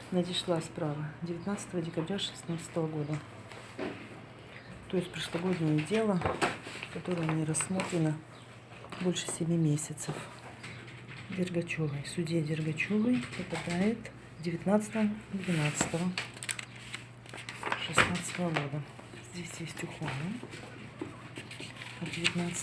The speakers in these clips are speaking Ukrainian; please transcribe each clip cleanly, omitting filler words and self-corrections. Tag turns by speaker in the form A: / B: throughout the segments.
A: надешла справа 19 декабря 2016 года. То есть прошлогоднее дело, которое не рассмотрено больше 7 месяцев. Дергачевой. Судья Дергачевой попадает 19.12.16 года. Здесь есть ухвала от 19.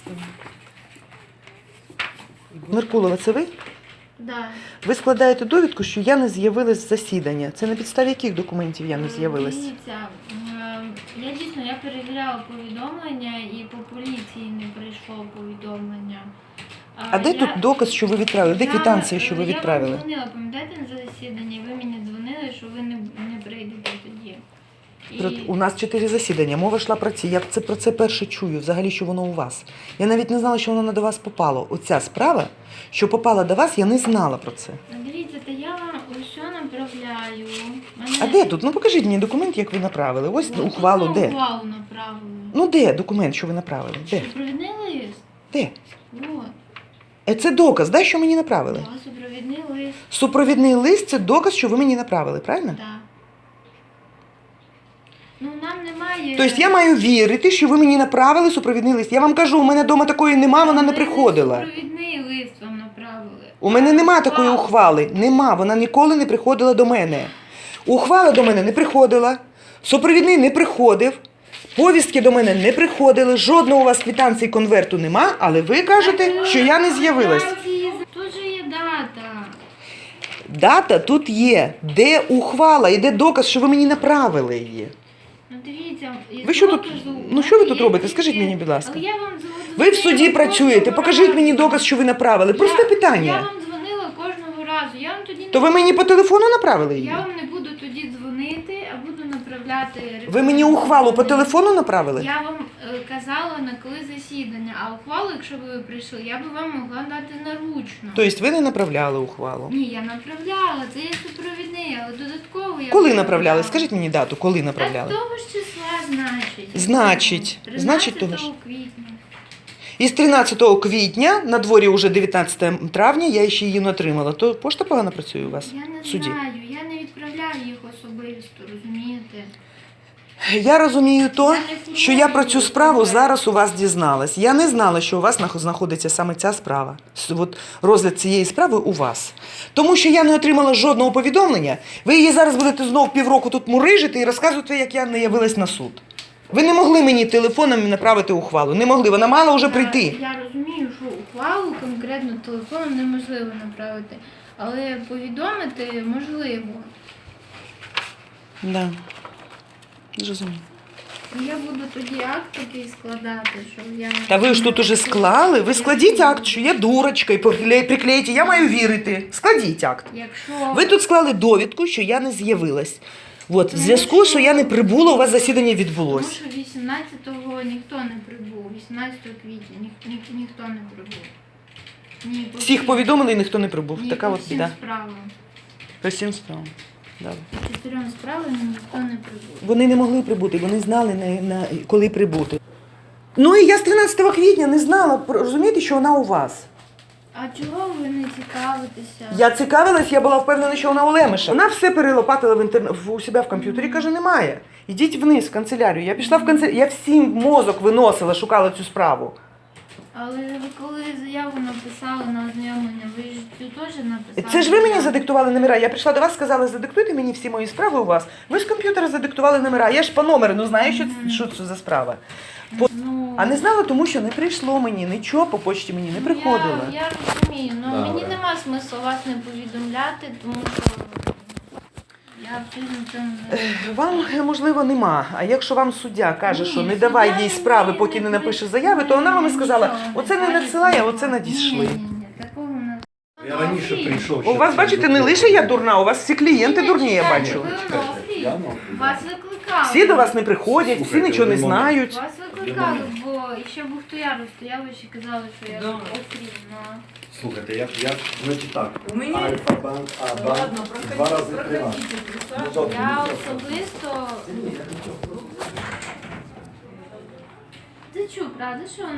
A: Меркулова, це ви?
B: Да.
A: Ви складаєте довідку, що я не з'явилась з засідання. Це на підставі яких документів я не з'явилась?
B: Дивіться, я перевіряла повідомлення і по поліції не прийшло повідомлення.
A: А де тут доказ, що ви відправили? Де квитанція, що ви відправили?
B: Я вам дзвонила, пам'ятаєте, на засідання, ви мені дзвонили, що ви не прийдете тоді.
A: У нас 4 засідання, мова йшла про ці. Я про це перше чую, взагалі, що воно у вас. Я навіть не знала, що воно до вас попало. Оця справа, що попала до вас, я не знала про це.
B: Дивіться, то я вам усе направляю.
A: А де тут? Ну покажіть мені документ, як ви направили. Ось ухвалу, де?
B: Ухвалу направили.
A: Ну де документ, що ви направили? Де?
B: Супровідний лист?
A: Де?
B: Вот.
A: Це доказ, да, що мені направили?
B: Да, супровідний лист.
A: Супровідний лист – це доказ, що ви мені направили, правильно?
B: Так. Да. Ну, нам немає...
A: Тобто я маю вірити, що ви мені направили супровідний лист. Я вам кажу, у мене вдома такої нема, вона не приходила.
B: Супровідний лист вам направили.
A: У мене нема такої ухвали. Нема, вона ніколи не приходила до мене. Ухвала до мене не приходила, супровідний не приходив, повістки до мене не приходили, жодного у вас квитанції конверту нема, але ви кажете, що я не з'явилась.
B: Тут же є дата.
A: Дата тут є. Де ухвала і де доказ, що ви мені направили її?
B: Ну, дивіться,
A: Ви що тут, ну що ви тут робите? Скажіть мені, будь ласка. Ви в суді працюєте, покажіть мені доказ, що ви направили. Просте
B: Я
A: питання.
B: вам дзвонила кожного разу. Я вам тоді
A: То ви мені по телефону направили її?
B: Я вам не буду тоді дзвонити, а буду направляти...
A: Ви мені ухвалу по телефону направили?
B: Я вам казала, на коли засідання, а ухвалу, якщо б ви прийшли, я б вам могла дати наручно.
A: Тобто ви не направляли ухвалу?
B: Ні, я направляла, це є супровідний, але додатково я...
A: Коли направляли? Скажіть мені дату, коли
B: Так
A: направляли?
B: того ж числа,
A: Значить.
B: 13
A: Значить, того ж.
B: квітня.
A: Із 13 квітня, на дворі вже 19 травня, я ще її не отримала. То пошта погано працює у вас
B: Я не
A: в суді?
B: знаю, я не відправляю їх особисто, розумієте?
A: Я розумію то, що я про цю справу зараз у вас дізналась. Я не знала, що у вас знаходиться саме ця справа. От розгляд цієї справи у вас. Тому що я не отримала жодного повідомлення. Ви її зараз будете знов півроку тут мурижити і розказувати, як я не явилась на суд. Ви не могли мені телефоном направити ухвалу. Не могли, вона мала вже прийти.
B: Я розумію, що ухвалу конкретно телефоном неможливо направити, але повідомити можливо.
A: Да. Зрозуміло.
B: Я буду тоді акт такий складати, що я...
A: Та ви ж тут уже склали. Ви складіть акт, що я дурочка, і приклейте. Я маю вірити. Складіть акт.
B: Якщо...
A: Ви тут склали довідку, що я не з'явилась. От, в зв'язку, що я не прибула, у вас засідання
B: Тому
A: відбулося.
B: що 18-го ніхто не прибув, 18 квітня ніхто не прибув. Ні, по
A: Всіх
B: всім-
A: повідомили, і ніхто не прибув.
B: ні,
A: Така
B: по
A: от
B: всім
A: біда.
B: справам.
A: По всім справам. Да.
B: По 4 справам ніхто не прибув.
A: Вони не могли прибути, вони знали, коли прибути. Ну і я з 13 квітня не знала, розумієте, що вона у вас.
B: А чого ви не цікавитеся?
A: Я цікавилась, я була впевнена, що вона у Лемеша. Вона все перелопатила у себе в комп'ютері, каже, немає. Ідіть вниз в канцелярію. Я пішла в канцелярію, я всім мозок виносила, шукала цю справу.
B: Але ви коли заяву написали на ознайомлення, ви ж цю теж написали?
A: Це ж ви мені задиктували номера. Я прийшла до вас, сказала, задиктуйте мені всі мої справи у вас. Ви з комп'ютера задиктували номера. Я ж по номеру, ну знаю, що це за справа.
B: Ну,
A: А не знала, тому що не прийшло мені, нічого по почті мені не приходило.
B: Я розумію, але мені нема смислу вас не повідомляти, тому що я абсолютно цьому не...
A: Вам, можливо, нема. А якщо вам суддя каже, що не давай їй справи, поки не напише заяви, то вона вам і сказала, оце не надсилає, а оце надійшли.
B: Ні, такого не...
C: Я раніше прийшов.
A: У вас, бачите, не лише я дурна, у вас всі клієнти дурні, я
B: чекайте,
A: бачу.
B: ви Онуфрій. Вас викликали.
A: Всі до вас не приходять, всі нічого не знають.
B: Вас викликали, бо ще Бухтояру стояв і ще казали, що я Онуфрій.
C: Слухайте, значить так.
D: У мені-
C: Альфа-банк, А-банк,
D: Ладно,
C: 2 рази 3 рази.
D: проходите.
B: Я особисто... Ти чув, правда, що